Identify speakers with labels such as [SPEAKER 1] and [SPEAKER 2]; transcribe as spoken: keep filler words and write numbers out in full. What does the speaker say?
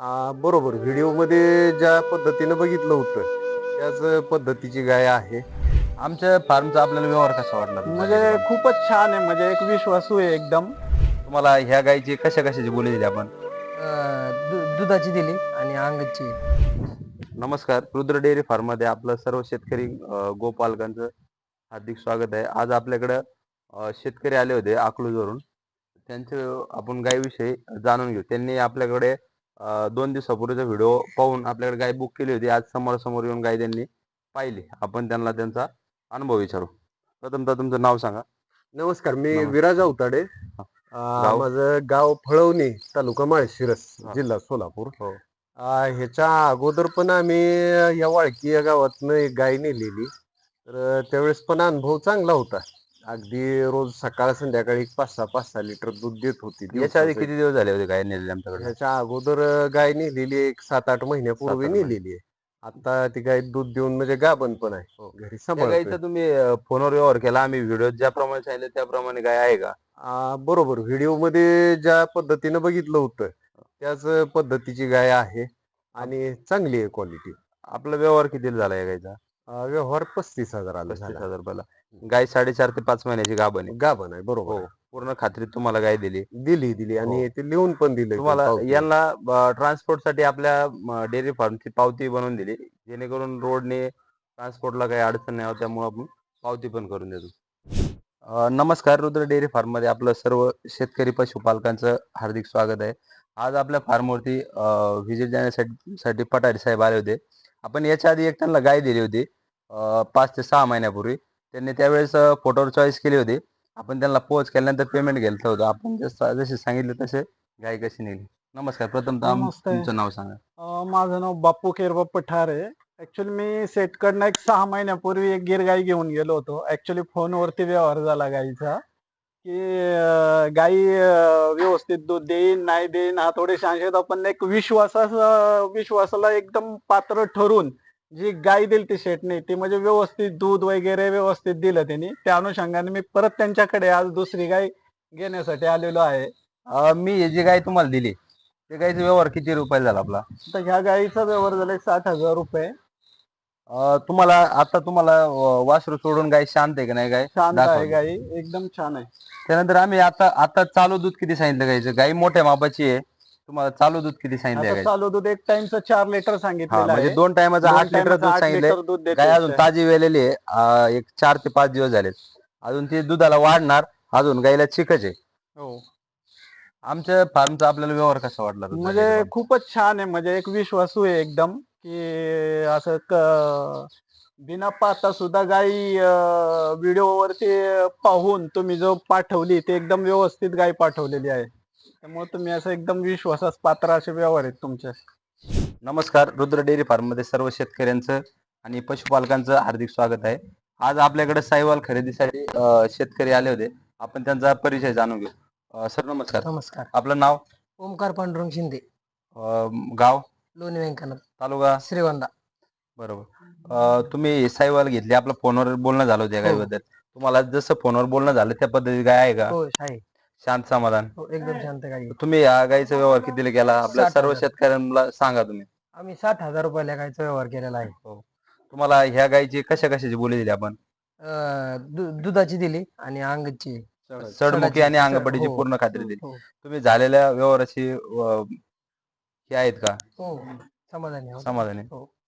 [SPEAKER 1] आ, बरोबर. व्हिडिओमध्ये ज्या पद्धतीनं बघितलं होतं, त्याच पद्धतीची गाय आहे.
[SPEAKER 2] आमच्या फार्मचा आपल्याला व्यवहार कसा वाटला तुमच्या डेअरी
[SPEAKER 3] म्हणजे
[SPEAKER 2] फार्म?
[SPEAKER 3] खूपच छान आहे, म्हणजे एक विश्वासू आहे एकदम.
[SPEAKER 2] तुम्हाला ह्या गायची कशा कशाची बोली दिली आपण?
[SPEAKER 4] अ, दु दुधाची दिली आणि अंगाची.
[SPEAKER 2] नमस्कार, रुद्र डेअरी फार्म मध्ये आपलं सर्व शेतकरी अ, गोपालकांचं हार्दिक स्वागत आहे. आज आपल्याकडं अ, शेतकरी आले होते अकलूजवरून. त्यांचे आपण गायीविषयी जाणून घेऊ. त्यांनी आपल्याकडे अ, दोन दिवसापूर्वीचा व्हिडिओ पाहून आपल्याकडे गाय बुक केली होती. आज समोरासमोर येऊन गाय त्यांनी पाहिली. आपण त्यांना त्यांचा अनुभव विचारू. प्रथमतः तुमचं नाव सांगा.
[SPEAKER 1] नमस्कार, मी
[SPEAKER 2] नमस्कार.
[SPEAKER 1] विराज अवताडे.
[SPEAKER 2] हा.
[SPEAKER 1] आ,
[SPEAKER 2] गाव?
[SPEAKER 1] माझं गाव फळवणी, तालुका माळशिरस,
[SPEAKER 2] हा.
[SPEAKER 1] जिल्हा सोलापूर.
[SPEAKER 2] हो.
[SPEAKER 1] आ, ह्याच्या अगोदर पण आम्ही या वाळकी या गावातनं एक गाय नेलेली. तर त्यावेळेस पण अनुभव चांगला होता. अगदी रोज सकाळ संध्याकाळी पाच सहा पाच सहा लिटर दूध देत होती
[SPEAKER 2] याच्या आधी
[SPEAKER 1] दिवसाचं.
[SPEAKER 2] किती दिवस झाले होते गाय नेलेली आमच्याकडे?
[SPEAKER 1] ह्याच्या अगोदर गाय नेलेली एक सात आठ महिन्यापूर्वी
[SPEAKER 2] सात आठ महिने.
[SPEAKER 1] नेलेली आहे. आता ती गाय दूध देऊन म्हणजे गाभण पण आहे.
[SPEAKER 2] हो.
[SPEAKER 1] घरी
[SPEAKER 2] त्या
[SPEAKER 1] सांभाळतोय.
[SPEAKER 2] गायीचा तुम्ही अ, फोनवर व्यवहार केला. आम्ही व्हिडिओ ज्याप्रमाणे सांगितले त्याप्रमाणे गाय आहे का?
[SPEAKER 1] आ, बरोबर. व्हिडिओमध्ये ज्या पद्धतीनं बघितलं होतं, त्याच पद्धतीची गाय आहे
[SPEAKER 2] आप-
[SPEAKER 1] आणि चांगली आहे क्वालिटी.
[SPEAKER 2] आपला व्यवहार कितीला झाला या गायचा?
[SPEAKER 1] व्यवहार पस्तीस हजाराला
[SPEAKER 2] पस्तीस
[SPEAKER 1] झाला.
[SPEAKER 2] हजार रुपयाला. गाय साडेचार ते पाच महिन्याची गाभण आहे.
[SPEAKER 1] गाभण आहे, बरोबर
[SPEAKER 2] हो.
[SPEAKER 1] आहे.
[SPEAKER 2] पूर्ण खात्रीत तुम्हाला गाय दिली.
[SPEAKER 1] दिली दिली
[SPEAKER 2] हो.
[SPEAKER 1] आणि ते लिहून पण दिलंय ते
[SPEAKER 2] तुम्हाला
[SPEAKER 1] पावतीवर.
[SPEAKER 2] यांना ट्रान्सपोर्टसाठी आपल्या डेअरी फार्मची पावती बनवून दिली. जेणेकरून रोडने ट्रान्सपोर्टला काही अडचण नाही होत. त्यामुळे आपण पावती पण करून देतो. अ, नमस्कार, रुद्र डेअरी फार्म मध्ये आपलं सर्व शेतकरी पशुपालकांचं हार्दिक स्वागत आहे. आज आपल्या फार्मवरती व्हिजिट देण्यासाठी साठी पठारे साहेब आले होते. आपण याच्या आधी एक त्यांना गाय दिली होती अ, पाच ते सहा महिन्यापूर्वी. त्यांनी त्यावेळेस अ, फोटोवर चॉईस केली होती. आपण त्यांना पोच केल्यानंतर पेमेंट घेतलं होतं. आपण जसं जसे सांगितले तसे गाय कशी नेली. नमस्कार, प्रथमतः आम-
[SPEAKER 3] नमस्ते.
[SPEAKER 2] तुमचं नाव सांगा.
[SPEAKER 3] अ, माझं नाव बापू केरबा पठार आहे. ऍक्च्युली मी सेटकडनं एक सहा महिन्यापूर्वी एक गिर गाई घेऊन गेलो होतो. ऍक्च्युली फोनवरती व्यवहार झाला गाईचा, की अ, गाई अ, व्यवस्थित दूध देईन नाही देईन हा थोडे संशय, पण एक विश्वासास विश्वासाला एकदम पात्र ठरून जी गाय दिली ती शेटने, ती म्हणजे व्यवस्थित दूध वगैरे व्यवस्थित दिलं त्यांनी. त्या अनुषंगाने मी परत त्यांच्याकडे आज दुसरी गाय घेण्यासाठी आलेलो आहे.
[SPEAKER 2] अ, मी ही जी गाय तुम्हाला दिली, त्या गायचा व्यवहार किती रुपयाला झाला आपला?
[SPEAKER 3] तर ह्या गाईचा व्यवहार झाला एक साठ हजार रुपये.
[SPEAKER 2] अ, तुम्हाला आता तुम्हाला अ, वासरू सोडून गाय शांत आहे का नाही गाय
[SPEAKER 3] शांत आहे
[SPEAKER 2] दाखवली.
[SPEAKER 3] गाई, एकदम छान आहे.
[SPEAKER 2] त्यानंतर आम्ही आता आता चालू दूध किती सांगितलं गायचं? गाय मोठ्या मापाची आहे. तुम्हाला चालू दूध किती सांगितलं
[SPEAKER 3] आता
[SPEAKER 2] गाय?
[SPEAKER 3] चालू दूध एक टाइमचं चार लिटर
[SPEAKER 2] हा,
[SPEAKER 3] सांगितलेलं
[SPEAKER 2] म्हणजे
[SPEAKER 3] आहे.
[SPEAKER 2] दोन टायमाचं
[SPEAKER 3] दोन
[SPEAKER 2] आठ लिटर
[SPEAKER 3] टायमाचं
[SPEAKER 2] दूध
[SPEAKER 3] आठ
[SPEAKER 2] सांगितले.
[SPEAKER 3] लिटर दूध
[SPEAKER 2] गाय
[SPEAKER 3] देते.
[SPEAKER 2] अजून ताजी वेलेली आहे. अ, एक चार ते पाच दिवस झालेत. अजून ती दुधाला वाढणार. अजून गायला चिकच आहे.
[SPEAKER 3] हो.
[SPEAKER 2] आमच्या फार्मचा आपल्याला व्यवहार कसा वाटला रुद्र डेअरी
[SPEAKER 3] म्हणजे
[SPEAKER 2] फार्म?
[SPEAKER 3] खूपच छान आहे, म्हणजे एक विश्वासू आहे एकदम, की असं क बिना पाहता सुद्धा गाई व्हिडिओवरती पाहून तुम्ही जो पाठवली ते एकदम व्यवस्थित गाय पाठवलेली आहे. त्यामुळे तुम्ही असं एकदम विश्वासास पात्र असे व्यवहार आहेत तुमचे.
[SPEAKER 2] नमस्कार, रुद्र डेअरी फार्म मध्ये सर्व शेतकऱ्यांचं आणि पशुपालकांचं हार्दिक स्वागत आहे. आज आपल्याकडे साहिवाल खरेदीसाठी अ, शेतकरी आले होते. आपण त्यांचा परिचय जाणून घेऊ. अ, सर नमस्कार.
[SPEAKER 4] नमस्कार.
[SPEAKER 2] आपलं नाव?
[SPEAKER 4] ओमकार पांडुरंग शिंदे,
[SPEAKER 2] अ, गाव?
[SPEAKER 4] लोणी व्यंकनाथ,
[SPEAKER 2] तालुका?
[SPEAKER 4] श्रीगोंदा.
[SPEAKER 2] बरोबर. अ, तुम्ही साहिवाल घेतली. आपलं फोनवर बोलणं झालं होतं या
[SPEAKER 4] हो
[SPEAKER 2] गायीबद्दल. तुम्हाला जसं फोनवर बोलणं झालं त्या पद्धतीची गाय आहे का?
[SPEAKER 4] हो आहे.
[SPEAKER 2] शांत समाधान?
[SPEAKER 4] हो, एकदम शांत गाई.
[SPEAKER 2] तुम्ही या गायीचा व्यवहार कितीला केला? आपल्या
[SPEAKER 4] साठ
[SPEAKER 2] सर्व
[SPEAKER 4] हजार
[SPEAKER 2] शेतकऱ्यांना सांगा तुम्ही.
[SPEAKER 4] आम्ही साठ हजार रुपयाला गायचा व्यवहार केलेला आहे.
[SPEAKER 2] हो. तुम्हाला ह्या गायीची कशा कशाची बोली दिली आपण?
[SPEAKER 4] अ, दु दुधाची दिली आणि अंगाची.
[SPEAKER 2] सडमुखी
[SPEAKER 4] सडाची
[SPEAKER 2] आणि
[SPEAKER 4] स
[SPEAKER 2] अंगपटीची
[SPEAKER 4] हो
[SPEAKER 2] पूर्ण खात्री दिली.
[SPEAKER 4] हो
[SPEAKER 2] तुम्ही झालेल्या व्यवहाराची अ, हे आहेत का
[SPEAKER 4] हो समाधानी आहोत.
[SPEAKER 2] समाधानी?
[SPEAKER 4] हो.